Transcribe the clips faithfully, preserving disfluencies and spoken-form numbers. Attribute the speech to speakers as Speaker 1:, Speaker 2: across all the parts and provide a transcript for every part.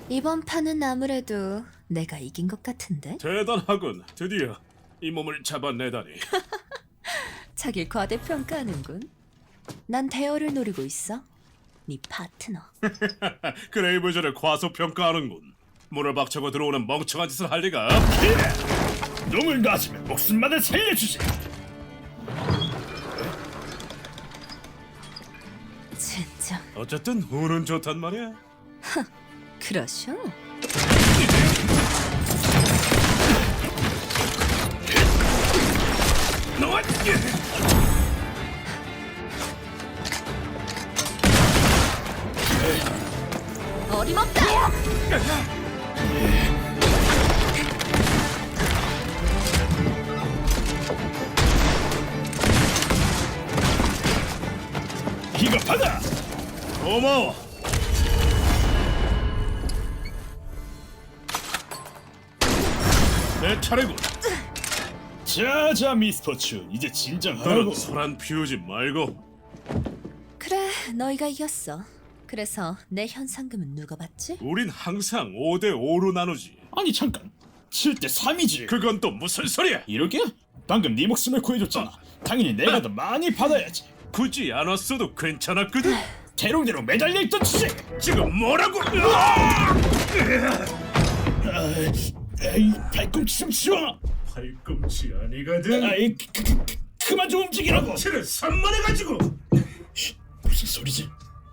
Speaker 1: 이번 판은 아무래도 내가 이긴 것 같은데?
Speaker 2: 대단하군. 드디어 이 몸을 잡아내다니.
Speaker 1: 자길 과대평가하는군. 난 대어를 노리고 있어. 네 파트너.
Speaker 2: 그레이브즈를 과소평가하는군. 문을 박차고 들어오는 멍청한 짓을 할 리가 없지.
Speaker 3: 놈을 놔주면 목숨만을 살려주지.
Speaker 1: 진짜
Speaker 2: 어쨌든 운은 좋단 말이야.
Speaker 1: 그러셔?
Speaker 2: 너와
Speaker 1: 어림없다!
Speaker 3: 이거 받아.
Speaker 2: 고마워. 내 차례군.
Speaker 3: 자자 미스터춘, 이제 진정하라고.
Speaker 2: 너는 소란 피우지 말고.
Speaker 1: 그래, 너희가 이겼어. 그래서 내 현상금은 누가 받지?
Speaker 2: 우린 항상 오 대 오로 나누지.
Speaker 3: 아니 잠깐, 칠 대 삼이지.
Speaker 2: 그건 또 무슨 소리야?
Speaker 3: 이렇게? 방금 네 목숨을 구해줬잖아. 당연히 내가 더 많이 받아야지.
Speaker 2: 굳이 안 왔어도 괜찮았거든.
Speaker 3: 대롱대롱 매달려 있던 주제.
Speaker 2: 지금 뭐라고?
Speaker 3: 에이, 발꿈치 좀 치워.
Speaker 2: 팔꿈치 아니거든.
Speaker 3: 아이, 그, 그, 그, 그만 좀 움직이라고.
Speaker 2: 치를 산만해가지고.
Speaker 3: 무슨 소리지?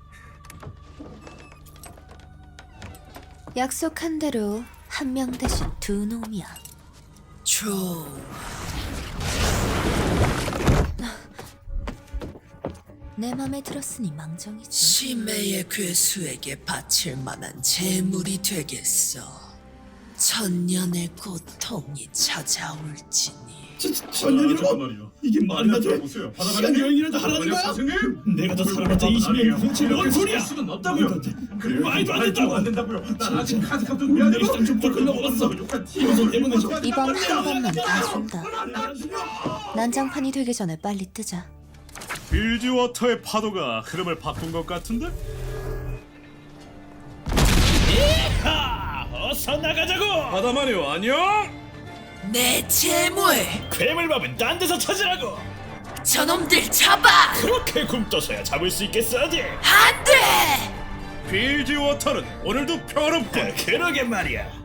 Speaker 1: 약속한 대로 한 명 대신 두 놈이야.
Speaker 4: 조
Speaker 1: 내 맘에 들었으니 망정이지.
Speaker 4: 치매의 괴수에게 바칠 만한 재물이 되겠어. 천년의 고통이 찾아올지니.
Speaker 3: 천년이라고? 이게 말이나 돼? 시간 여행이라도 하라는 거야? 내가 더 살아봤자 이십 년 근처에 뭔 소리야?
Speaker 2: 수는 없다고요.
Speaker 3: 그리고 말도 안 된다고.
Speaker 2: 안 된다고요. 난 아직 카드값도 내야
Speaker 3: 내 시장 좀더 흘러먹었어. 이거 때문에 저
Speaker 1: 이번 한 번만 봐준다. 난장판이 되기 전에 빨리 뜨자.
Speaker 2: 빌지워터의 파도가 흐름을 바꾼 것 같은데?
Speaker 3: 하! 어서 나가자고!
Speaker 2: 바다마녀 안녕?
Speaker 4: 내 재물
Speaker 3: 괴물밥은 딴 데서 찾으라고!
Speaker 4: 저놈들 잡아!
Speaker 3: 그렇게 굶떠서야 잡을 수 있겠어야지!
Speaker 4: 안돼!
Speaker 2: 빌지워터는 오늘도 평화롭고
Speaker 3: 그러게 말이야.